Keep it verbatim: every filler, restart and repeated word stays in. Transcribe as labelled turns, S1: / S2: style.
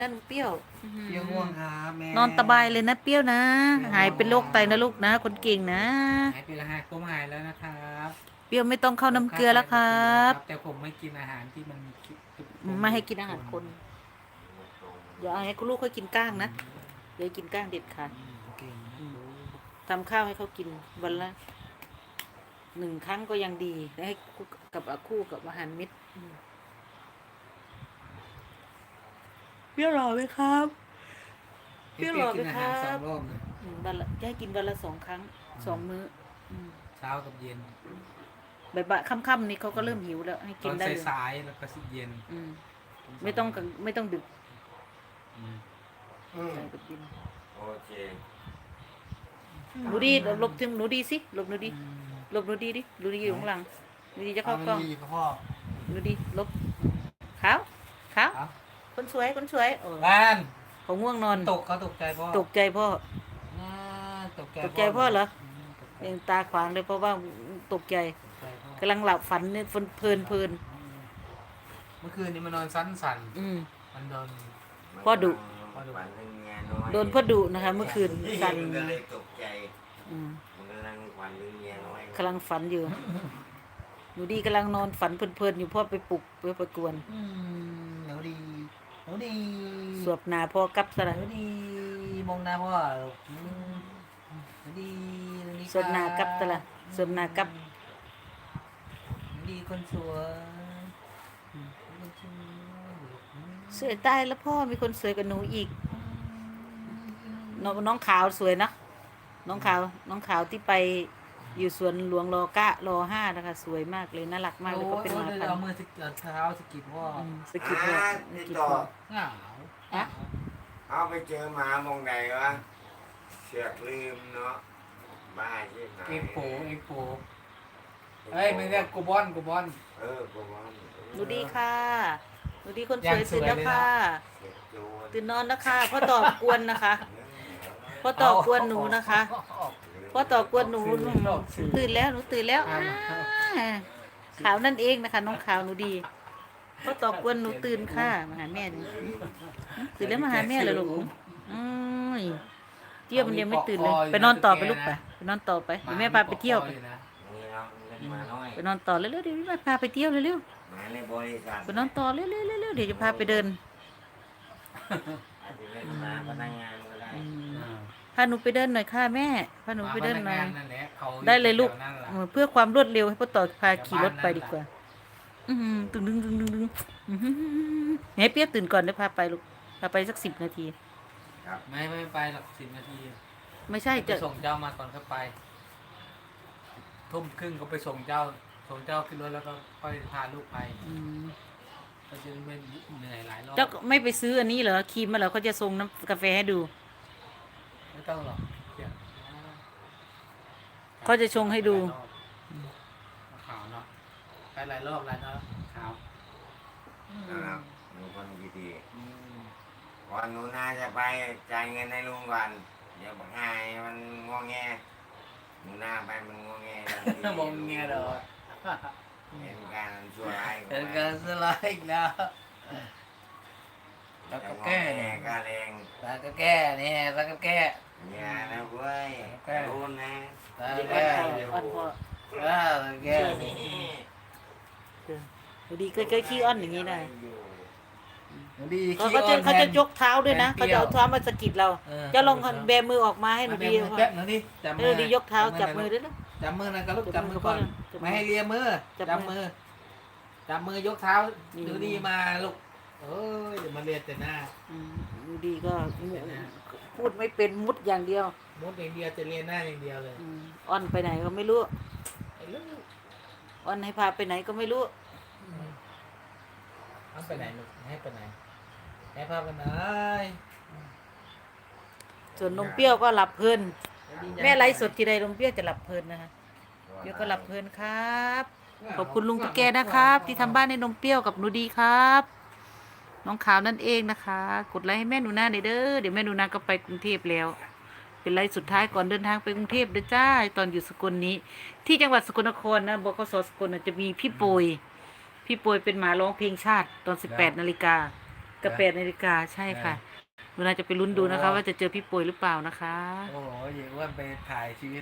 S1: นั่นเปรี้ยว
S2: เปรี้ยวง่วงครับแม่
S1: นอนสบายเลยนะเปรี้ยวนะหายเป็นโรคไตนะลูกนะคนเก่งนะ
S2: หายไปแล้วหายผมหายแล้วนะครับ
S1: เปรี้ยวไม่ต้องเข้าน้ำเกลือแล้วครับ
S2: แต่ผมไม่กินอาหารที่มัน
S1: ไม่ให้กินอาหารคนอย่าให้คุณลูกเขากินก้างนะอย่ากินก้างเด็ดขาดทำข้าวให้เขากินวันละหนึ่งครั้งก็ยังดีแล้วให้กับคู่กับอาหารเม็ดเปรี้ยวหล่อไหมครับเปรี้ยวหล่อไหมครับวันละให้กินวันละสองครั้งสองมื้อ
S2: เช้ากับเย็น
S1: บ่ายๆค่ำๆนี่เขาก็เริ่มหิวแล้วให้กินได้เลย
S2: สายๆแล้วก็สิเย็น
S1: ไม่ต้องไม่ต้องดึก
S3: โอเค
S1: หนูดีหลบถึงหนูดีสิหลบหนูดีหลบหนูดีดิหนูดีอยู่ข้างหลังหนูดีจะเข้ากล้องหนูดีหลบขาวขาวคนสวยคนสวยโอ้
S2: บ้าน
S1: เขาง่วงนอน
S2: ตกเขาตกใจพ่อ
S1: ตกใจพ่อ
S2: ตกใจ
S1: ตกใจพ่อเหรอยังตาขวางเลยเพราะว่าตกใจกำลังหลับฝันเนี่ยฝันเพลินเพลิน
S2: เมื่อคืนนี้มันนอนสั้นสั่นมันโดน
S1: พ่อดุโดนพ่อดุนะคะ เมื่อคืนสั่น
S3: ตกใจกำลังฝันเรื่องเมียน้อย
S1: กำลังฝันอยู่หนูดีกำลังนอนฝันเพลินๆอยู่พ่อไปปลุกไปประกวน
S2: หนูดีหนูดี
S1: สวบหนาพ่อกับสระ
S2: หนูดีมองหน้าพ่อหนูดีหนูดี
S1: สวบหนากับสระสวบหนากับ
S2: หนูดีคนสวย
S1: สวยตายแล้วพ่อมีคนสวยกว่าหนูอีกน้องน้องขาวสวยนะน้องขาวน้องขาวที่ไปอยู่สวนหลวงรอเก้ารอห้านะคะสวยมากเลยน่ารักมากเลยก็เป็นมาพัน
S2: เอามือสกิดเท้าสกิดพ่อ
S1: สกิดพ่อสกิดพ่อ
S2: เหงา
S1: อะ
S3: เอาไปเจอหมามองไหนวะเสือกลืมเนาะบ้าใช่ไหม
S2: เอ็กโปเอ็กโปเฮ้ยไม่ใช่กูบอนกูบอน
S3: เออกูบอน
S1: ดูดีค่ะดูดีคนสวยตื่นแล้วค่ะตื่นนอนนะคะพ่อตอบกวนนะคะพ่อตอบกวนหนูนะคะพ่อตอบกวนหนูตื่นแล้วหนูตื่นแล้วขาวนั่นเองนะคะน้องขาวหนูดีพ่อตอบกวนหนูตื่นค่ะมาหาแม่ตื่นแล้วมาหาแม่เลยลูกเที่ยวมันยังไม่ตื่นเลยไปนอนต่อไปลูกไปไปนอนต่อไปเดี๋ยวแม่พาไปเที่ยวไปไปนอนต่อเร็วๆเดี๋ยวแม่พาไปเที่ยวเร็วๆไปนอนต่อเร็วๆเร็วๆเดี๋ยวจะพาไปเดินพาหนูไปเดินหน่อยค่ะแม่พาหนูไปเดินหน่อยได้เลยลูกเพื่อความรวดเร็วให้พ่อต่อพาขี่รถไปดีกว่าตึงดึงดึงดึงดึงเฮ้ยเปี๊ยกตื่นก่อนเดี๋ยวพาไปลูกพาไปสักสิบนาที
S2: ไม่ไม่ไปหรอกสิบนาที
S1: ไม่ใช่จะ
S2: ส่งเจ้ามาก่อนเข้าไปทุ่มครึ่งก็ไปส่งเจ้าส่งเจ้าขึ้นรถแล้วก็ค่อยพาลูกไปก็จะไม่เหนื่อยหลายรอบ
S1: เจ้าไม่ไปซื้ออันนี้เหรอครีมมาเหรอเขาจะส่งน้ำกาแฟให้ดู
S2: ไม่ต้องหรอก
S1: เขาจะชงให้ดู
S2: ขาวเนาะไปหลายรอบหลายรอบขาว
S3: นะครับดูคนดีๆวันนู้นน่าจะไปจ่ายเงินให้ลุงก่อนเดี๋ยวบอกให้มันงอแงหนูหน้าไปมันงอแง
S2: มองแงเด้อ
S3: เห็นการชั่วร้าย
S2: เห็นการชั่วร้ายอีกแล้วแล้วก็แก้
S3: เนี่ยก็แรง
S2: แล้วก็แก้เนี่ยแล้วก็แก้
S3: อย่านะเว้ยรู้นะ
S2: แล้วก็แก้
S1: อ่อนพอ
S2: แล้วแก้
S1: ดีเคยเคยขี้อ้อนอย่างนี้ได้
S2: ดี
S1: เขาจะเขาจะยกเท้าด้วยนะเขาจะเอาเท้ามาสะกิดเราจะลองแบมือออกมาให้หนูดี
S2: แป๊บหนูดิจับมือ
S1: ดียกเท้าจับมือด้วยนะ
S2: จับมือนะก็ลูกจับมือก่อนไม่ให้เลียมือจับมือจับมือยกเท้าดูดีมาลูกเอ้ยเดี๋ยวมาเรียนแต่หน้า
S1: ดูดีก็พูดไม่เป็นมุดอย่างเดียว
S2: มุดอย่างเดียวจะเรียนหน้าอย่างเดียวเลย
S1: อ้อนไปไหนก็ไม่รู้อ้อนให้พาไปไหนก็ไม่รู้
S2: อ้อนไปไหนลูกให้ไปไหนให้พาไปไหน
S1: ส่วนนมเปรี้ยวก็หลับเพลินแม่ไลฟ์สดทีใดนมเปรี้ยวจะหลับเพลินนะคะเดี๋ยวก็หลับเพลินครับขอบคุณลุงตุ๊กแกนะครับที่ทำบ้านให้นมเปรี้ยวกับหนูดีครับน้องขาวนั่นเองนะคะกดไลค์ให้แม่หนูนาเด้อเดี๋ยวแม่หนูนาก็ไปกรุงเทพแล้วเป็นไลฟ์สุดท้ายก่อนเดินทางไปกรุงเทพเด้อจ้าตอนอยู่สกลนี้ที่จังหวัดสกลนครนะบกสสกลจะมีพี่โปยพี่โปยเป็นหมาร้องเพลงชาติตอนสิบแปดนาฬิกากับแปดนาฬิกาใช่ค่ะหนูนาจะไปลุ้นดูนะคะ ว่าจะเจอพี่ป่วยหรือเปล่านะคะ
S2: โอ้โหยายอ้วนไปถ่ายชีวิต